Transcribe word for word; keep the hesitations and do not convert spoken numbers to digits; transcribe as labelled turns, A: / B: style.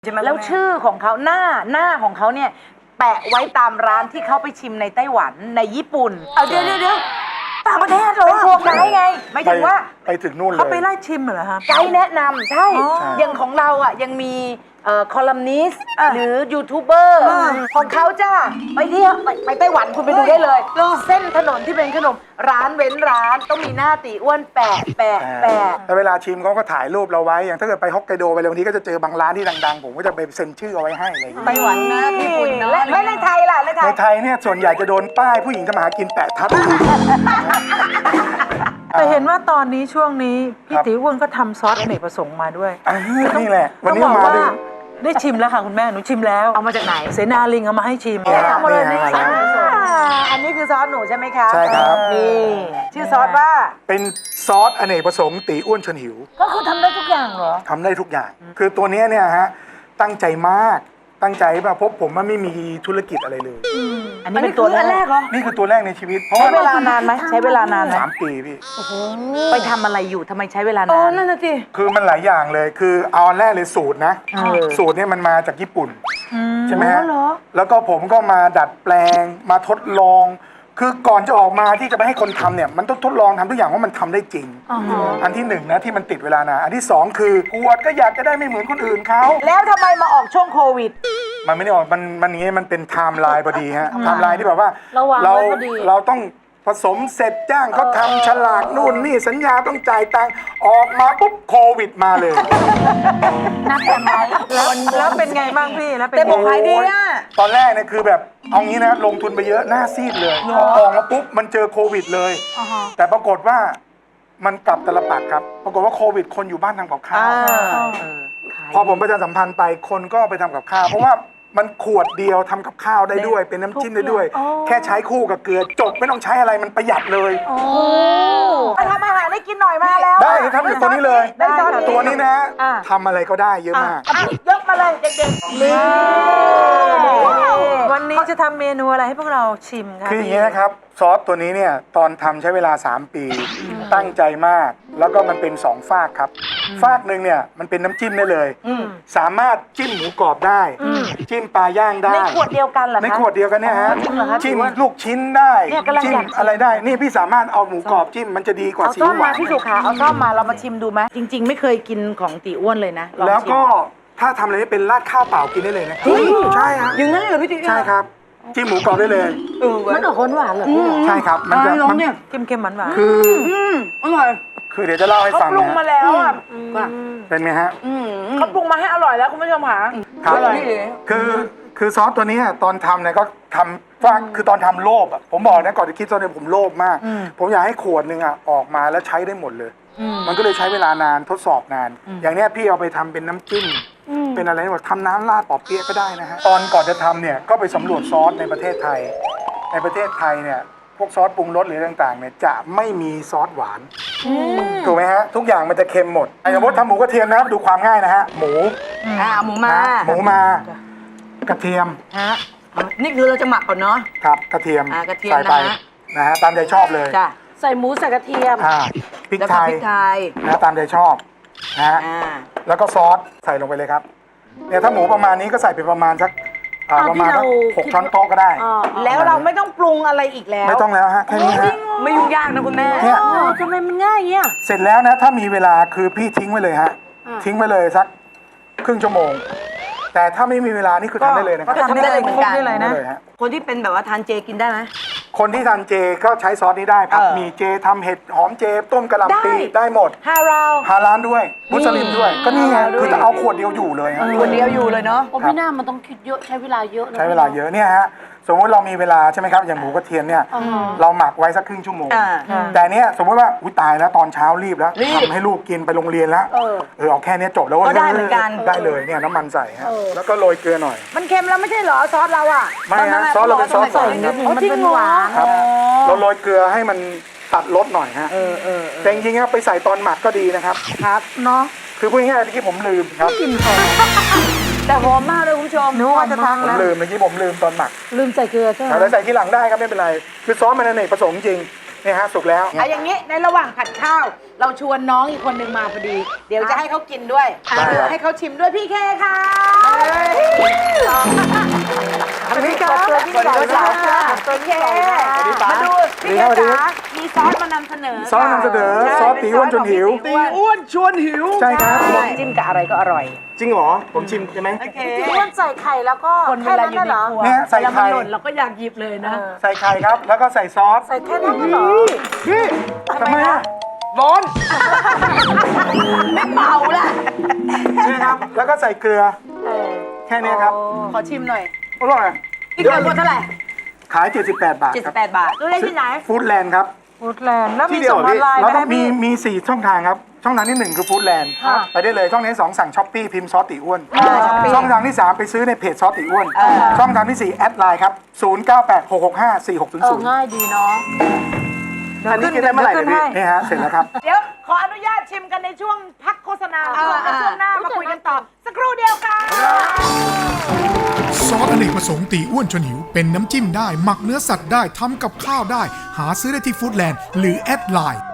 A: ใช่ไหม
B: แล้วชื่อของเขาหน้าหน้าของเขาเนี่ยแปะไว้ตามร้านที่เขาไปชิมในไต้หวันในญี่ปุ่น
A: เอาเดี๋ยวเดี๋ยวเดี๋ยวต่างประเทศเหรอ
B: เป็นพวกไกด์ไงหมายถึงว่า
C: ไปถึงนู่นเลย
D: เขาไปไล่ชิมเหรอฮะ
B: ไกด์แนะนำใช่
D: อ๋อ
B: อย่างของเราอ่ะยังมีคอลัมนิสต์หรือยูทูบเบอร์ของเขาจ้าไปเที่ยวไปไปไต้หวันคุณไปดูได้เลย เส้นถนนที่เป็นขนมร้านเว้นร้านต้องมีหน้าตีอ้วนแปะแปะแปะ
C: แต่เวลาชิมเขาก็ถ่ายรูปเราไว้ อย่างถ้าเกิดไปฮอกไกโดไปเลยบางทีก็จะเจอบางร้านที่ดังๆ ผมก็จะไปเซ็นชื่อเอาไว้ให้อะไรอย่างเงี้ย
A: ไต้หวันนะญี่ปุ่นเนาะ
B: และและในไทยล่ะในไท
C: ใน
B: ย
C: ไทยเนี่ยส่วนใหญ่จะโดนป้ายผู้หญิงทำมาหากินแปะทับ
D: แต่เห็นว่าตอนนี้ช่วงนี้พี่
C: ครับ
D: ติ๋วอ้วนก็ทำซอสอเนกประสงค์มาด้วย
C: อ่านี่แหละ วัน
D: ต้อง
C: นี้
D: บอก
C: มา
D: ว่า
C: ด้วย
D: ได้ชิมแล้วค่ะคุณแม่หนูชิมแล้ว
B: เอามาจากไหน
D: เสนาลิงเอามาให้ชิม
C: เนี่ย
B: เอามาเลย
C: เนี่
B: นี่
C: ยมาแล้ว
B: อันนี้คือซอสหนูใช่ไหมคะ
C: ใช่ครับ
B: นี่ชื่อซอสว่า
C: เป็นซอสอเนกประสงค์ตีอ้วนชวนหิว
B: ก็คือทำได้ทุกอย่างเหรอ
C: ทำได้ทุกอย่าง คือตัวเนี้ยเนี่ยฮะตั้งใจมากตั้งใจแบบเพราะผมมันไม่มีธุรกิจอะไรเลย
B: อันนี้เป็นตัวแรกเหรอ
C: นี่คือตัวแรกในชีวิต เพราะ
B: ใช้
C: ว่า
B: เวลานานไหมใช้เวลานานไหม
C: สามปีพี่
B: ไปทำอะไรอยู่ทำไมใช้เวลา
A: โอ้
B: นาน
A: นั่นน่ะสิ
C: คือมันหลายอย่างเลย คือเอาอันแรกเลยสูตรนะ
B: เออ
C: สูตรเนี่ยมันมาจากญี่ปุ่น ใช่ไหมฮะ
B: อ๋อเหรอ
C: แล้วก็ผมก็มาดัดแปลงมาทดลอง คือก่อนจะออกมาที่จะไปให้คนทำเนี่ยมันต้องทดลองทำทุกอย่างว่ามันทำได้จริง อันที่หนึ่งนะที่มันติดเวลานานอันที่สองคือกวดก็อยากจะได้ไม่เหมือนคนอื่นเขา
B: แล้วทำไมมาออกช่วงโควิด
C: มันไม่ได้ออกมันมันอย่างงี้มันเป็นไทม์ไลน์พอดีฮะไทม์ไลน์ที่แบบว่า
A: ระวัง
C: เรา
A: ไว้พอดี
C: เราต้องผสมเสร็จจ้างเขาทำฉลากนู่นนี่สัญญาต้องจ่ายตังค์ออกมาปุ๊บโควิดมาเลย
B: นับแต่ไหม
D: แล้วแล้วเป็นไงบ้างพี่แล้วเป็น
A: แต่
D: ไง
A: บอกขายดีอ่ะ
C: ตอนแรกเนี่ยคือแบบเอางี้นะลงทุนไปเยอะหน้าซีดเลยพอออกมาปุ๊บมันเจอโควิดเลย แต่ปรากฏว่ามันกลับตลปัดครับ ปรากฏว่าโควิดคนอยู่บ้านทำกับข้าว พอผมประชาสัมพันธ์ไปคนก็ไปทำกับข้าว เพราะว่ามันขวดเดียวทำกับข้าวได้ด้วย เป็นน้ำจิ้มได้ด้วย แค่ใช้คู่กับเกลือจบไม่ต้องใช้อะไรมันประหยัดเลย
B: มาทำอาหารให้กินหน่อยมาแล้ว
C: ได้ครับตัวนี้เลย
B: ได้ซอส
C: ตัวนี้นะ
B: อ่ะ
C: ทำอะไรก็ได้เยอะมาก
B: อ่ะยกมาเลยเด็กๆนี่
D: วันนี้จะทำเมนูอะไรให้พวกเราชิมคะ
C: คืออย่างนี้นะครับ ซอสตัวนี้เนี่ยตอนทำใช้เวลา สาม ปี ตั้งใจมาก แล้วก็มันเป็นสองฝากครับ ฝากหนึ่งเนี่ยมันเป็นน้ำจิ้มได้เลย สามารถจิ้มหมูกรอบได้ จิ้มปลาย่างได้
B: ในขวดเดียวกันเหรอคะ
C: ในขวดเดียวกันเนี่ยฮะ
B: จริงเหรอคะ
C: จิ้ม
B: ถือว่า
C: ลูกชิ้นได้
B: เนี่ยกำลัง
C: จิ้ม
B: อยากชิม
C: อะไรได้ นี่พี่สามารถเอาหมูกรอบจิ้มมันจะดีกว่า
B: เอา
C: ซี
B: ซ่อ
C: อิ๊
B: ม
C: วห
B: มาว
C: าน
B: พี่สุขาเอาซ่อมมาเรามาชิมดูไหมจริง ๆ ไม่เคยกินของตีอ้วนเลยนะลอง
C: แล้ว
B: ชิม
C: ก็ถ้าทำอะไรไม่เป็นราดข้าวเปล่ากินได้เลยนะครับใช่ฮะ
A: อย่างนั้นเลยเหรอพี่ติ๋ว
C: ใช่ครับจิ้มหมูกรอบได้เลย
A: เออเว้ย
B: มันออกหวานๆเหรอพี่
C: ใช่ครับมันจะ
A: ลอง
C: มัน
A: เนี่ย
D: เค็มๆหวานๆ
C: คือ
A: อร่อย
C: คือเดี๋ยวจะเล่าให้
B: เขา
C: ฟัง
B: ปรุง
C: นะ
B: มาแล้วอ่ะ
C: เป็นไงฮะ
B: เขาปรุงมาให้อร่อยแล้วคุณผู้ชมค่ะ
C: ครับ
A: อร่อย
C: คือคือซอสตัวนี้ตอนทำเนี่ยก็ทำว่าคือตอนทำโลภอ่ะผมบอกนะก่อนจะคิดตอนนี้ผมโลภมาก ผมอยากให้ขวดหนึ่งอ่ะออกมาแล้วใช้ได้หมดเลย มันก็เลยใช้เวลานานทดสอบนาน อย่างเนี้ยพี่เอาไปทำเป็นน้ำจิ้มเป็นอะไรหมดทำน้ำราดปอเปี๊ยะก็ได้นะฮะตอนก่อนจะทำเนี่ยก็ไปสำรวจซอสในประเทศไทย ในประเทศไทยเนี่ยพวกซอสปรุงรสหรือต่างๆเนี่ยจะไม่มีซอสหวานถูกไหมฮะทุกอย่างมันจะเค็มหมดไอ้สมมติทำหมูกระเทียมนะครับดูความง่ายนะฮะหมู
A: อ่าหมูมา
C: นะหมูมากระเทียม
A: ฮะนี่คือเราจะหมักก่อนเนาะ
C: ครับกระเทียม
A: อ่ากระเทียม
C: ใส่ไป
A: นะฮะ
C: นะฮะตามใจชอบเลย
A: จ้ะ
B: ใส่หมูใส่กระเทียม
C: อ่าพริก
A: แล้ว
C: ไท
A: ก็
C: ย
A: พริกไทย
C: นะตามใจชอบนะฮะ
A: อ่า
C: แล้วก็ซอสใส่ลงไปเลยครับเนี่ยถ้าหมูประมาณนี้ก็ใส่ไปประมาณสักอ่า
B: อ่า
C: ประมาณ
B: ที่
C: สัก
B: เรา
C: หกช้อนโต๊ะก็ได้
B: แล้วเราไม่ต้องปรุงอะไรอีกแล้ว
C: ไม่ต้องแล้วฮะแค่นี้ฮะ
A: ไม่ยุ่งยากนะคุณแม่
C: เนี่ย
B: อ๋อทำไมมันง่ายเงี้ย
C: เสร็จแล้วนะถ้ามีเวลาคือพี่ทิ้งไว้เลยฮะทิ้งไว้เลยสักครึ่งชั่วโมง แต่ถ้าไม่มีเวลานี่คือทำได้เลยนะค
D: ก็
C: รับ
D: ทำได้เลยเหมือนกัน
A: ทำได้เลย
D: นะ
C: ได้เลยฮะ
A: คนที่เป็นแบบว่าทานเจกินได้ไหม
C: คนที่ทานเจก็ใช้ซอสนี้ได้ครับ
A: เออ
C: มีเจทำเห็ดหอมเจต้มกะหล่ำปี
B: ได้
C: ได้หมด
B: ฮาราว
C: ฮาลานด้วยมุสลิมด้วย ก็นี่ไง
B: ฮาลาลด้วย
C: คือจะเอาขวดเดียวอยู่เลยฮะ
A: คนเดียวอยู่เลยเนาะ
E: โอ้ไม่น่ามันต้องคิดเยอะใช้เวลาเยอะนะ
C: ใช้เวลาเยอะเนี่ยฮะสมมติเรามีเวลาใช่ไหมครับอย่างหมูกระเทียมเนี่ยเราหมักไว้สักครึ่งชั่วโมง
A: อ่า
C: แต่เนี้ยสมมติว่าอุ้ยตายแล้วตอนเช้ารีบแล้ว
A: รีบ
C: ทำให้ลูกกินไปโรงเรียนแล้ว
B: เออ
C: เออเอาแค่เนี้ยจบแล้ว
A: ก็ได้เหมือนกัน
C: ได้เลยเนี่ยน้ำมันใส่ฮะแล้วก็โรยเกลือหน่อย
B: มันเค็มแล้วไม่ใช่เหรอซอสเราอ่ะ
C: ไม่ฮะซอสเราเป็นซอสใส่ครับ
B: มันเป็นหวาน
C: ครับเราโรยเกลือให้มันตัดรสหน่อยฮะแต่จริงๆอะไปใส่ตอนหมักก็ดีนะครับ
B: ครับเนาะ
C: คือพูดง่ายๆเมื่อกี้ผมลืมครับ
A: แต่หอมมากเลยคุณผู้ชม
D: นึกว่าจะทัก
C: ผม
D: แล้ว
C: ลืมเมื่อกี้ผมลืมตอนหมัก
B: ลืมใส่เกลือใช่ไหม
C: แต่ใส่ทีหลังได้ครับไม่เป็นไร คือซอสมันอเนกประสงค์จริงนี่ฮะสุกแล้ว
B: เอาอย่างนี้ในระหว่างผัดข้าว เราชวนน้องอีกคนหนึ่งมาพอดี เดี๋ยวจะให้เขากินด้วย
C: ได้ครับ
B: ให้เขาชิมด้วยพี่เคค่ะ
C: อันนี้ครับ
B: ตัวพี่ใหญ่ค่ะตัวเคมาดูพี่เคจ๋ามีซอสมานำเสนอ
C: ซอสนำเสนอซอสตีอ้วนจนหิว
B: ตีอ้วนชวนหิว
C: ใช่ครับ
B: จิ้มกับอะไรก็อร่อย
C: จริงเหรอผมชิมใช่ไหม
B: ตีอ้วนใส่ไข่แล้วก็
E: คนเวลาอยู่ในครัว
C: เนี่ยใส่
E: เวลามัน
C: ไข่
E: หล่นเราก็อยากหยิบเลยนะ
C: ใส่ไข่ครับ แล้วก็ใส่ซอส
B: ใส่แค่นั้นเหรอ
C: พี่ทำไมอะร้อน
B: ไม่เมาละ
C: นี่ครับ แล้วก็ใส่เกลือแค่นี้ครับ
B: ขอชิมหน่อย
C: อร่อย
B: พี่เกิดคนเท่าไหร่
C: ขาย เจ็ดสิบแปด บาท
A: เจ็ด
C: ค
A: สิ
C: รั
A: บบ แปดบาท
B: ดูได้ที่ไหน
C: ฟู้ดแลนด์ครับ
D: ฟู้ดแลนด์แล้วมี
C: ที่เดียว
D: ส่งออนไลน์
C: เรา
D: ไหม
C: ต้องมี
D: พี่
C: มีสี่ช่องทางครับ ช่องทางที่หนึ่งคือฟู้ดแลนด์ไปได้เลยช่องทางที่สองสั่งช้อปปี้พิมพ์ซอสติอ้วน ช่องทางที่สามไปซื้อในเพจซอสติอ้วน ช่องทางที่สี่แอดไลน์ครับศูนย์ เก้า แปด หก หก ห้า สี่ หก ศูนย์
E: เอ
C: ศู
E: อน
C: ย์
E: ง่ายดีเนาะ
C: อันนี้กินได้เมื่อไหร่เนี่ยพี่นี่ฮะเสร็จแล้วครับ
B: เดี๋ยวขออนุญาตชิมกันในช่วงพักโฆษณาก่อนแล้วช่วงหน้ามาคุยกันต่อ สักครู่เดียวค่ะ
F: ซอสอเนกประสงค์ตีอ้วนชวนหิว เป็นน้ำจิ้มได้ หมักเนื้อสัตว์ได้ ทำกับข้าวได้ หาซื้อได้ที่ฟู้ดแลนด์หรือแอดไลน์